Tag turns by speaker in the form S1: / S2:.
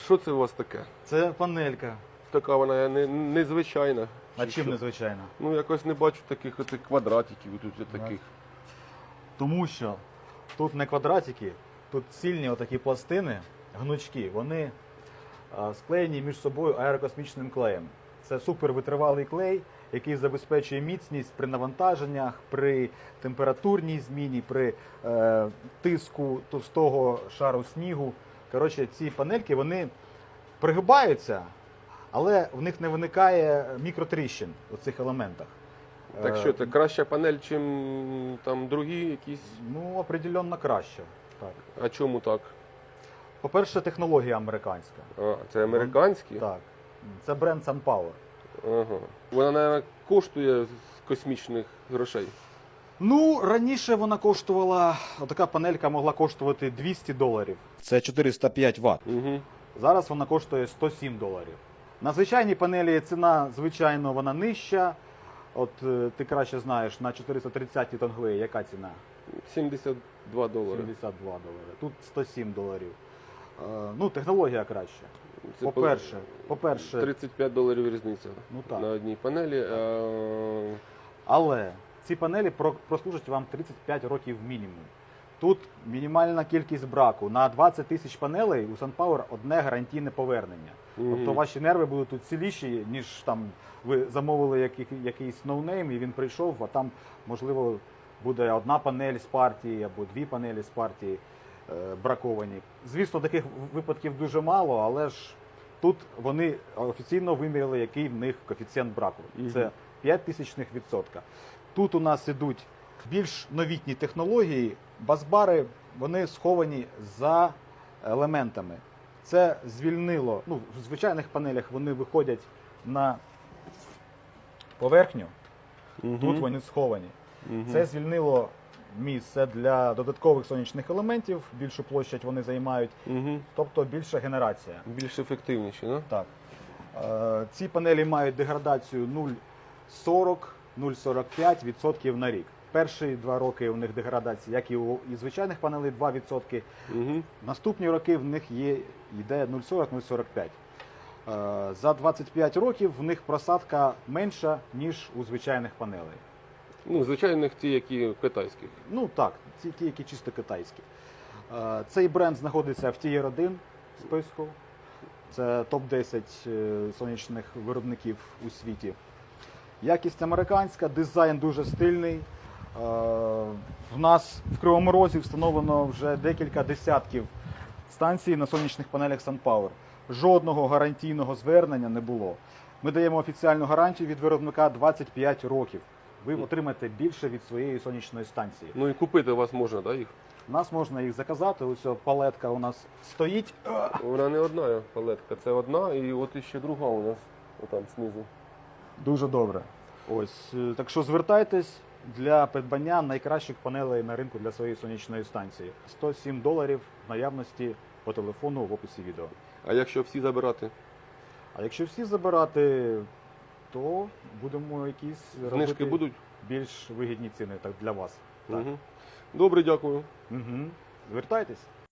S1: Що це у вас таке?
S2: Це панелька.
S1: Така вона незвичайна.
S2: А
S1: Чи
S2: чим
S1: що?
S2: незвичайно?
S1: Ну якось не бачу таких отих квадратиків, тут таких.
S2: Тому що тут не квадратики, тут цільні отакі пластини, гнучки, вони склеєні між собою аерокосмічним клеєм. Це супервитривалий клей, який забезпечує міцність при навантаженнях, при температурній зміні, при тиску товстого шару снігу. Коротше, ці панельки вони пригибаються, але в них не виникає мікротріщин у цих елементах.
S1: Так що це краща панель, чим там другі якісь?
S2: Ну, определенно краще. Так.
S1: А чому так?
S2: По-перше, технологія американська.
S1: А, це американські?
S2: Так. Це бренд SunPower.
S1: Ага. Вона, мабуть, коштує з космічних грошей.
S2: Ну, раніше вона коштувала, отака панелька могла коштувати $200. Це 405 Вт.
S1: Угу.
S2: Зараз вона коштує $107. На звичайній панелі ціна, звичайно, вона нижча. От ти краще знаєш, на 430 Тонглей яка ціна?
S1: $72.
S2: $72. Тут $107. Ну, технологія краща.
S1: Це
S2: По-перше,
S1: $35 різниця
S2: Ну, так.
S1: на одній панелі.
S2: але ці панелі прослужать вам 35 років мінімум. Тут мінімальна кількість браку. На 20 тисяч панелей у SunPower одне гарантійне повернення. Тобто ваші нерви будуть тут ціліші, ніж там ви замовили якийсь ноунейм і він прийшов, а там, можливо, буде одна панель з партії або дві панелі з партії браковані. Звісно, таких випадків дуже мало, але ж тут вони офіційно виміряли, який в них коефіцієнт браку. Це 0,05%. Тут у нас ідуть більш новітні технології. Басбари, вони сховані за елементами. Це звільнило, ну, в звичайних панелях вони виходять на поверхню, тут вони сховані. Це звільнило місце для додаткових сонячних елементів, більшу площадь вони займають, тобто більша генерація.
S1: Більш ефективніші, не?
S2: Так. Ці панелі мають деградацію 0,40-0,45% на рік. Перші 2 роки у них деградація, як і у звичайних панелей, 2%. Наступні роки в них йде 0,40-0,45. За 25 років в них просадка менша, ніж у звичайних панелей.
S1: Ну, звичайних ті, які китайських.
S2: Ну так, ті, які чисто китайські. Цей бренд знаходиться в Tier 1 списку. Це топ-10 сонячних виробників у світі. Якість американська, дизайн дуже стильний. В нас в Кривому Розі встановлено вже декілька десятків станцій на сонячних панелях SunPower. Жодного гарантійного звернення не було. Ми даємо офіціальну гарантію від виробника 25 років. Ви отримаєте більше від своєї сонячної станції.
S1: Ну і купити у вас можна, так, їх?
S2: У нас можна їх заказати. Ось палетка у нас стоїть.
S1: Вона не одна палетка, це одна і от іще друга у нас, отам знизу.
S2: Дуже добре. Ось, так що звертайтесь для придбання найкращих панелей на ринку для своєї сонячної станції. $107 в наявності по телефону в описі відео.
S1: А якщо всі забирати?
S2: А якщо всі забирати, то будемо якісь
S1: Знижки
S2: робити
S1: будуть?
S2: більш вигідні ціни так, для вас. Так.
S1: Добре, дякую.
S2: Звертайтесь.